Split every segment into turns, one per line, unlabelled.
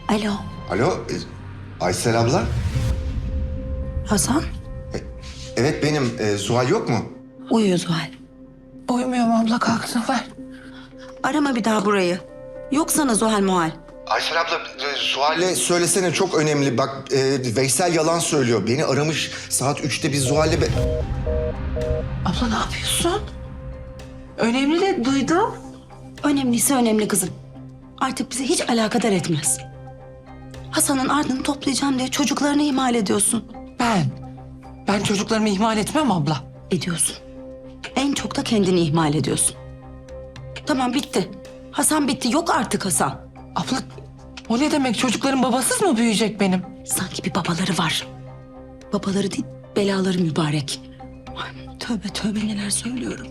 Alo,
Alo, Aysel abla.
Hasan?
Evet benim. Zuhal yok mu?
Uyuyor Zuhal.
Uyumuyorum abla, kalktım ver.
Arama bir daha burayı. Yok sana Zuhal muhal.
Aysel abla, Zuhal'e söylesene, çok önemli. Bak, Veysel yalan söylüyor. Beni aramış saat 3'te, biz Zuhal'le...
Abla ne yapıyorsun? Önemli de duydum.
Önemliyse önemli kızım. Artık bizi hiç alakadar etmez. Hasan'ın ardını toplayacağım diye çocuklarını ihmal ediyorsun.
Ben çocuklarımı ihmal etmem abla.
Ediyorsun. En çok da kendini ihmal ediyorsun. Tamam, bitti. Hasan bitti. Yok artık Hasan.
Abla o ne demek, çocukların babasız mı büyüyecek benim?
Sanki bir babaları var. Babaları değil, belaları mübarek. Ay, tövbe tövbe neler söylüyorum.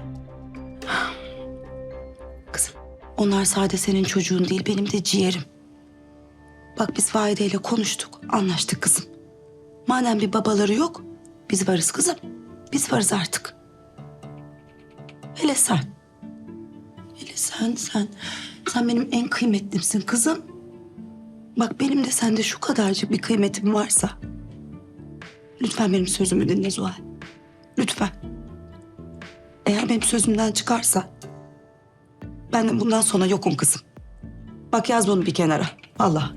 Kızım, onlar sadece senin çocuğun değil, benim de ciğerim. Bak, biz Vahide ile konuştuk, anlaştık kızım. Madem bir babaları yok, biz varız kızım. Biz varız artık. Hele sen. Hele sen benim en kıymetlimsin kızım. Bak, benim de sende şu kadarcık bir kıymetim varsa... Lütfen benim sözümü dinle Zuhal. Lütfen. Eğer benim sözümden çıkarsa... Ben de bundan sonra yokum kızım. Bak, yaz bunu bir kenara. Allah.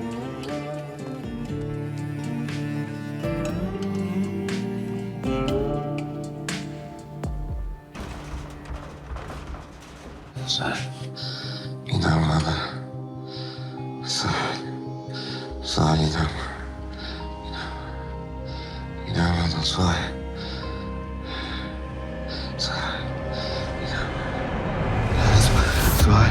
Zuhal, inan bana. Zuhal inan. İnan bana Zuhal. Zuhal, inan. Zuhal.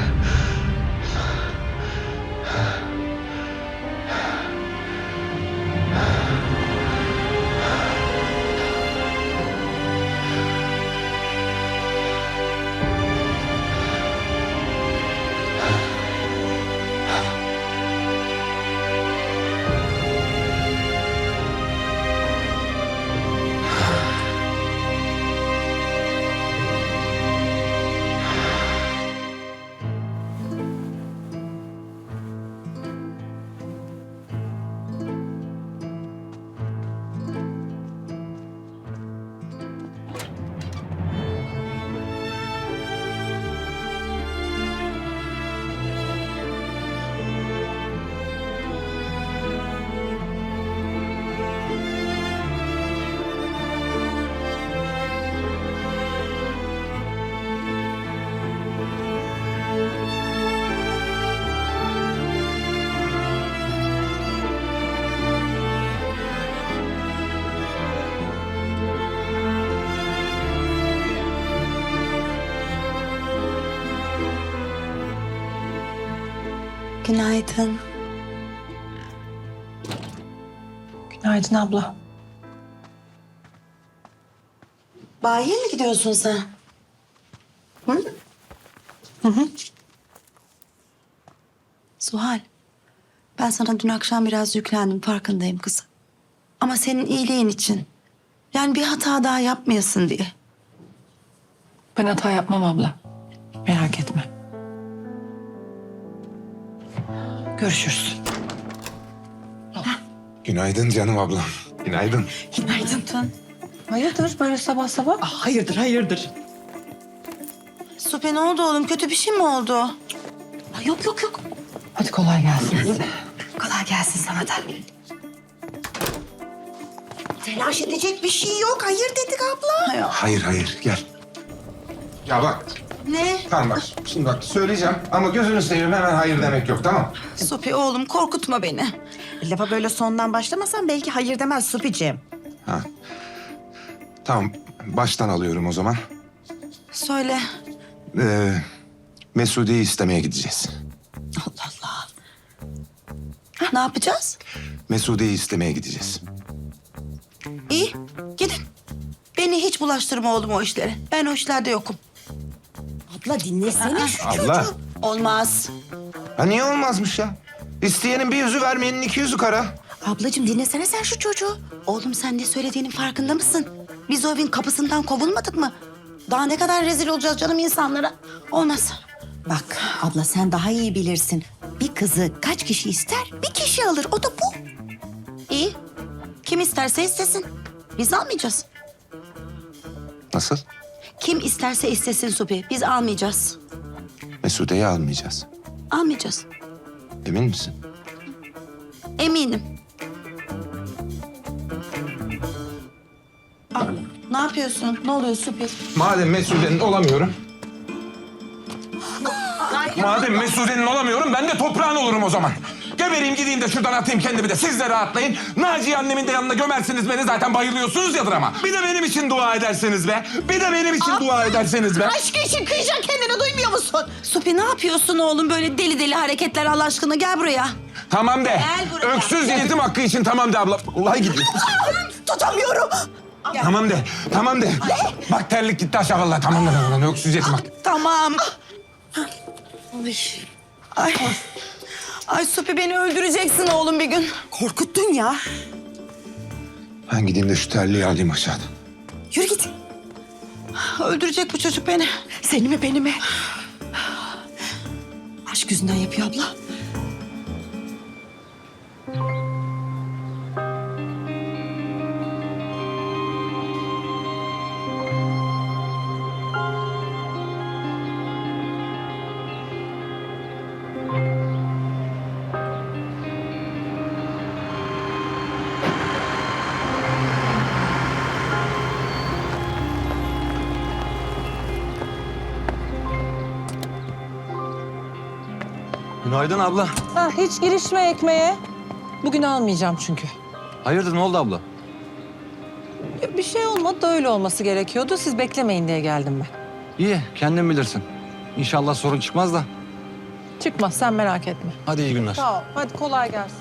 Günaydın.
Günaydın abla.
Bayiye mi gidiyorsun sen? Hı?
Hı.
Zuhal, ben sana dün akşam biraz yüklendim, farkındayım kızım. Ama senin iyiliğin için. Yani bir hata daha yapmayasın diye.
Ben hata yapmam abla. Merak etme. Görüşürüz.
Günaydın canım ablam. Günaydın.
Günaydın Tun.
Hayırdır böyle sabah sabah?
Hayırdır. Supi, ne oldu oğlum? Kötü bir şey mi oldu? Ay, yok.
Hadi kolay gelsin size.
Kolay gelsin sana da. Telaş edecek bir şey yok. Hayır dedik abla.
Hayır, gel. Ya bak,
Ne?
tamam bak. Şimdi bak söyleyeceğim ama gözünü seveyim, hemen hayır demek yok, tamam?
Supi oğlum, korkutma beni.
Lafa böyle sondan başlamasan belki hayır demez Supi'ciğim.
Ha. Tamam, baştan alıyorum o zaman.
Söyle.
Mesude'yi istemeye gideceğiz.
Allah Allah. Ne yapacağız?
Mesude'yi istemeye gideceğiz.
İyi, gidin. Beni hiç bulaştırma oğlum o işlere. Ben o işlerde yokum.
Abla dinlesene şu
Abla.
çocuğu.
Olmaz.
Ha niye olmazmış ya? İsteyenin bir yüzü, vermeyenin 200'ü kara.
Ablacığım dinlesene sen şu çocuğu.
Oğlum, sen ne söylediğinin farkında mısın? Biz o evin kapısından kovulmadık mı? Daha ne kadar rezil olacağız canım insanlara? Olmaz.
Bak abla sen daha iyi bilirsin. bir kızı kaç kişi ister? Bir kişi alır. O da bu.
İyi. Kim isterse istesin. Biz almayacağız.
Nasıl?
Kim isterse istesin Supi. Biz almayacağız.
Mesude'yi almayacağız.
Almayacağız.
Emin misin?
Eminim. Ne yapıyorsun? Ne oluyor Supi?
Madem Mesude'nin olamıyorum. Madem Mesude'nin olamıyorum ben de toprağın olurum o zaman. Gebereyim gideyim de şuradan atayım kendimi de siz de rahatlayın. Naciye annemin de yanına gömersiniz beni zaten bayılıyorsunuz yadır ama. Bir de benim için dua ederseniz be. Bir de benim için dua ederseniz be.
Aşk için kıyacaksın kendini duymuyor musun?
Supi ne yapıyorsun oğlum? Böyle deli deli hareketler Allah aşkına. Gel buraya.
Tamam de.
Gel buraya.
Öksüz yetim hakkı için tamam de abla. Vallahi gidiyor.
Tutamıyorum.
Tamam de. Tamam de. Bak terlik gitti aşağı vallahi tamam de. Öksüz yetim hakkı.
Tamam. Ay. Ay Supi beni öldüreceksin oğlum bir gün.
Korkuttun ya.
Ben gideyim de şu terliği alayım aşağıdan.
Yürü git.
Öldürecek bu çocuk beni.
Seni mi beni mi? Aşk yüzünden yapıyor abla.
Günaydın abla.
Ha, hiç girişme ekmeğe. Bugün almayacağım çünkü.
Hayırdır ne oldu abla?
Bir şey olmadı da öyle olması gerekiyordu. Siz beklemeyin diye geldim ben.
İyi kendin bilirsin. İnşallah sorun çıkmaz da.
Çıkmaz sen merak etme.
Hadi iyi günler.
Sağ ol. Hadi kolay gelsin.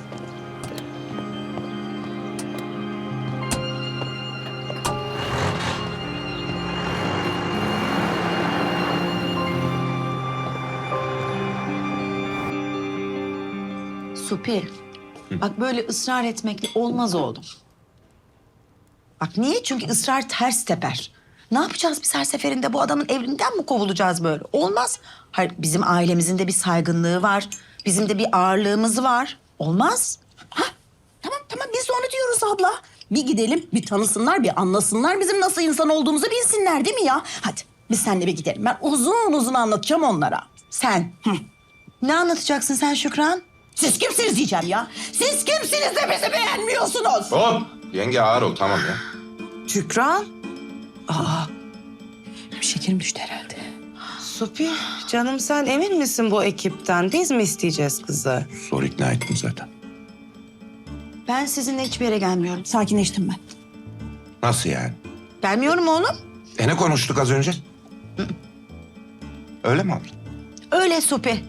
Supi. Bak böyle ısrar etmekle olmaz oğlum. Bak niye? Çünkü ısrar ters teper. Ne yapacağız biz her seferinde? Bu adamın evinden mi kovulacağız böyle? Olmaz. Hayır, bizim ailemizin de bir saygınlığı var. Bizim de bir ağırlığımız var. Olmaz.
Tamam biz de onu diyoruz abla. Bir gidelim, bir tanısınlar, bir anlasınlar bizim nasıl insan olduğumuzu bilsinler değil mi ya? Hadi biz seninle bir gidelim. Ben uzun uzun anlatacağım onlara.
Sen. Ne anlatacaksın sen Şükran?
Siz kimsiniz diyeceğim ya. Siz kimsiniz de bizi beğenmiyorsunuz?
Hop. Yenge ağır ol tamam ya.
Şükran.
Şekerim düştü herhalde.
Supi, canım sen emin misin bu ekipten? Biz mi isteyeceğiz kızı?
Zor ikna ettim zaten.
Ben sizinle hiçbir yere gelmiyorum.
Sakinleştim ben.
Nasıl yani?
Gelmiyorum oğlum.
Ne konuştuk az önce? Öyle mi abla?
Öyle Supi.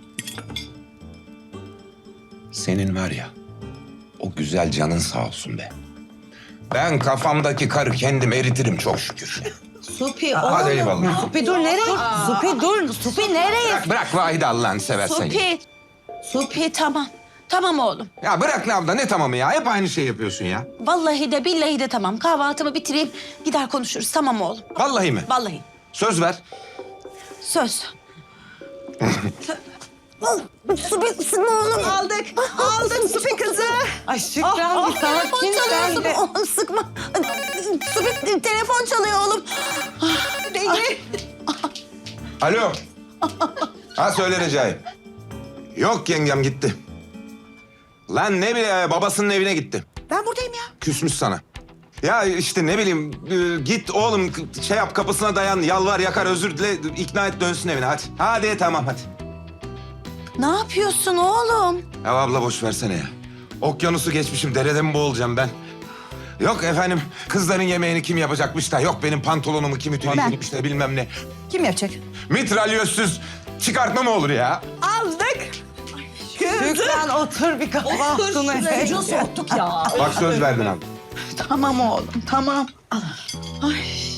Senin var ya, o güzel canın sağ olsun be. Ben kafamdaki karı kendim eritirim çok şükür.
Supi
Hadi eyvallah.
Supi dur nereye? Supi dur.
Supi nereye?
Bırak Vahide Allah'ını seversen.
Supi. Supi tamam. Tamam oğlum.
Ya bırak ne abla ne tamamı ya? Hep aynı şey yapıyorsun ya.
Vallahi de billahi de tamam. Kahvaltımı bitireyim. Gider konuşuruz. Tamam oğlum.
Vallahi mi?
Vallahi.
Söz ver.
Söz.
Supi sıkma oğlum.
Aldık. Aldık Supi kızı.
Ay Şükran bir sakin sen de.
Oğlum sıkma. Supi telefon çalıyor oğlum. Beni.
Alo. Ha söyle Recai. Yok yengem gitti. Lan ne bileyim babasının evine gitti.
Ben buradayım ya.
Küsmüş sana. Ya işte ne bileyim git oğlum şey yap kapısına dayan yalvar yakar özür dile ikna et dönsün evine hadi. Hadi tamam hadi.
Ne yapıyorsun oğlum?
Ya abla boş versene ya. Okyanusu geçmişim derede mi boğulacağım ben? Yok efendim kızların yemeğini kim yapacakmış da yok benim pantolonumu kim ütüleyecekmiş de bilmem ne.
Kim yapacak?
Mitralyözsüz çıkartma mı olur ya?
Aldık.
Şükran otur bir kahvaltını.
Çocuğu soğuttuk ya.
Bak söz verdin abi.
Tamam oğlum tamam. Ay.